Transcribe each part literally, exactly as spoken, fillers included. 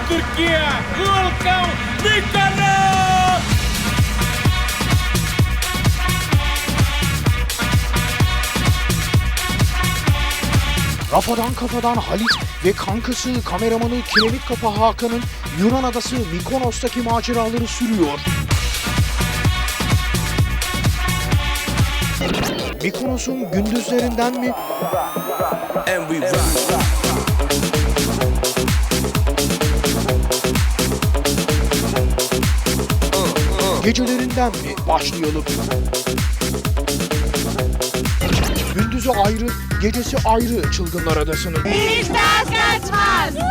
Turquia, Volkan Demirel. Rafadan kafadan Halit ve kankası kameramanı Kiremit Kafa Hakan'ın Yunan adası Mikonos'taki maceraları sürüyor. Mikonos'un gündüzlerinden mi? And we rock. Gecelerinden mi başlayalım? Gündüzü ayrı, gecesi ayrı Çılgınlar Adası'nın. Hiç ders kaçmaz.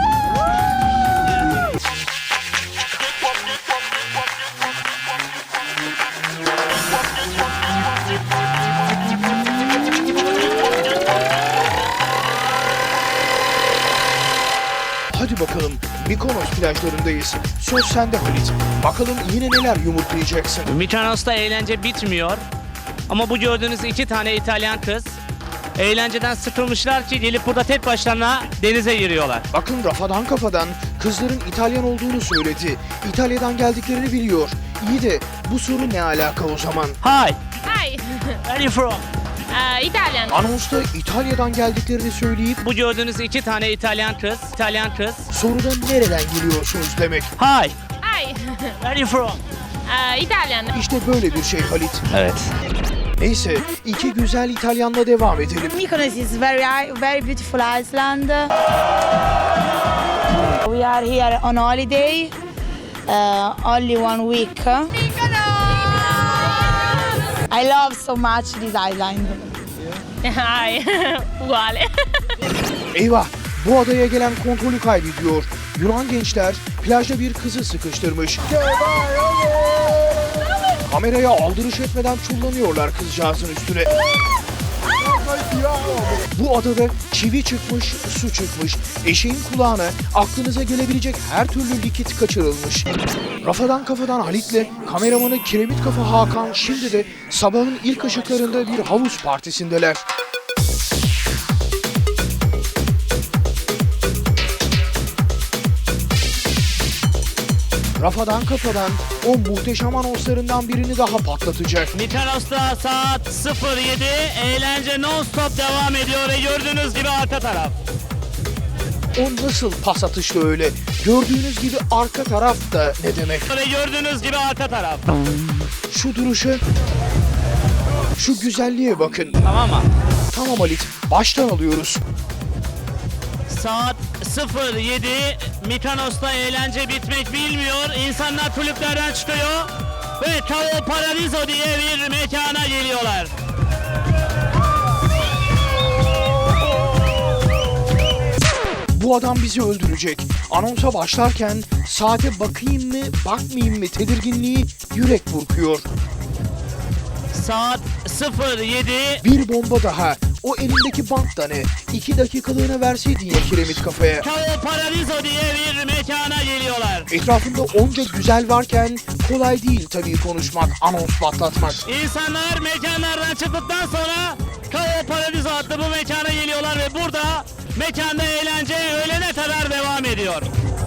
Hadi bakalım, Mikonos plajlarındayız. Söz sende Halit. Bakalım yine neler yumurtlayacaksın. Mykonos'ta eğlence bitmiyor. Ama bu gördüğünüz iki tane İtalyan kız eğlenceden sıkılmışlar ki gelip burada tek başlarına denize giriyorlar. Bakın Rafadan kafadan kızların İtalyan olduğunu söyledi. İtalya'dan geldiklerini biliyor. İyi de bu soru ne alaka o zaman? Hi, Hi. where are you from? Aa, İtalyan. Anonsta İtalya'dan geldiklerini söyleyip Bu gördüğünüz iki tane İtalyan kız, İtalyan kız. soruda nereden geliyorsunuz demek. Hi, Hi. where are you from? Aa, İtalyan. İşte böyle bir şey Halit. Evet. Neyse iki güzel İtalyanla devam edelim. Mykonos is very very beautiful island. We are here on holiday, uh, only one week. I love so much this island. Hi. Uguale. Eyvah, bu adaya gelen kontrolü kaybediyor. Yunan gençler plajda bir kızı sıkıştırmış. Kameraya aldırış etmeden çullanıyorlar kızcağızın üstüne. Bu adada çivi çıkmış, su çıkmış. Eşeğin kulağına aklınıza gelebilecek her türlü likit kaçırılmış. Rafadan kafadan Halit'le kameramanı Kiremit Kafa Hakan şimdi de sabahın ilk ışıklarında bir havuz partisindeler. Rafadan kafadan o muhteşem anonslarından birini daha patlatacak. Mykonos'ta saat sıfır yedi, eğlence non-stop devam ediyor ve gördüğünüz gibi arka taraf. O nasıl pas atışlı öyle? Gördüğünüz gibi arka taraf da ne demek? Ve gördüğünüz gibi arka taraf. Şu duruşa, şu güzelliğe bakın. Tamam mı? Tamam Halit, baştan alıyoruz. Saat sıfır yedi, Mykonos'ta eğlence bitmek bilmiyor. İnsanlar kulüplerden çıkıyor ve Tao Paradiso diye bir mekana geliyorlar. Bu adam bizi öldürecek. Anonsa başlarken saate bakayım mı, bakmayayım mı tedirginliği yürek burkuyor. Saat sıfır yedi, Bir bomba daha. O elindeki bant da ne? İki dakikalığına verseydin ya Kiremit Kafa'ya. Tao Paradiso diye bir mekana geliyorlar. Etrafında onca güzel varken kolay değil tabii konuşmak, anons patlatmak. İnsanlar mekanlardan çıktıktan sonra Tao Paradiso adlı bu mekana geliyorlar ve burada mekanda eğlence öğlene kadar devam ediyor.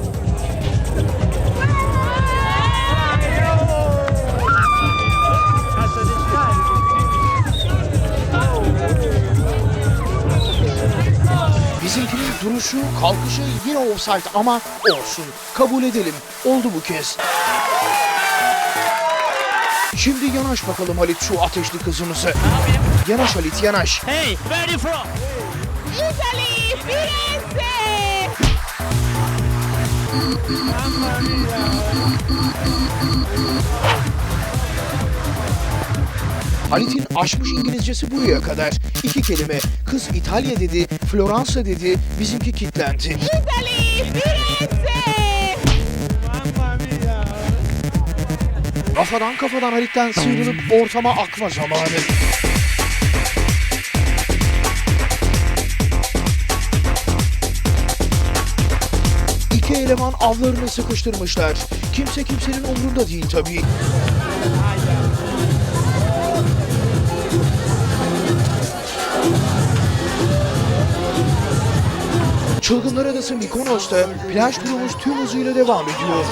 Bizimkinin duruşu, kalkışı yine offside ama olsun. Kabul edelim. Oldu bu kez. Şimdi yanaş bakalım Halit şu ateşli kızımızı. Yanaş Halit, yanaş. Hey, where are you from? Italy. Firenze. Halit'in aşmış İngilizcesi buraya kadar. İki kelime. Kız İtalya dedi, Floransa dedi, bizimki kitlendi. Italy. Firenze. Kafadan kafadan Halit'ten sıyrılıp ortama akma zamanı. İki eleman avlarını sıkıştırmışlar. Kimse kimsenin umrunda değil tabii. Çılgınlar Adası Mikonos'ta plaj turumuz tüm hızıyla devam ediyor.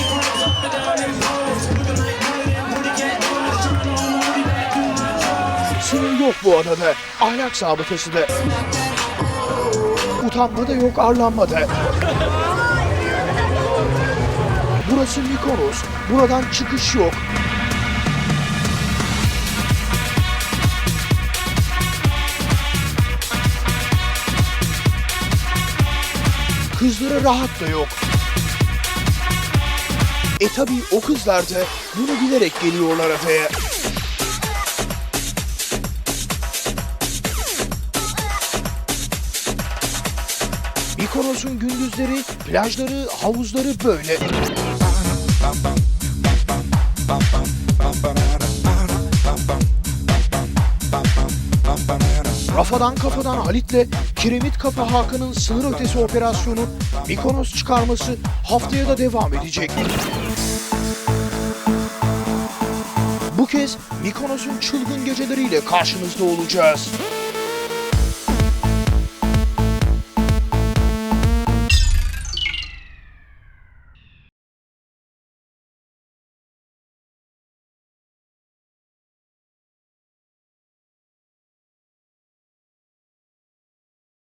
Sınır yok bu adada, ahlak sabıkası da. Utanma da yok, arlanma da. Burası Mikonos, buradan çıkış yok. Kızlara rahat da yok. E tabi o kızlar da bunu bilerek geliyorlar adaya. Mikonos'un gündüzleri, plajları, havuzları böyle. Rafadan Kafadan Halit'le Kiremit Kafa Hakan'ın sınır ötesi operasyonu Mikonos çıkarması haftaya da devam edecek. Bu kez Mikonos'un çılgın geceleriyle karşınızda olacağız.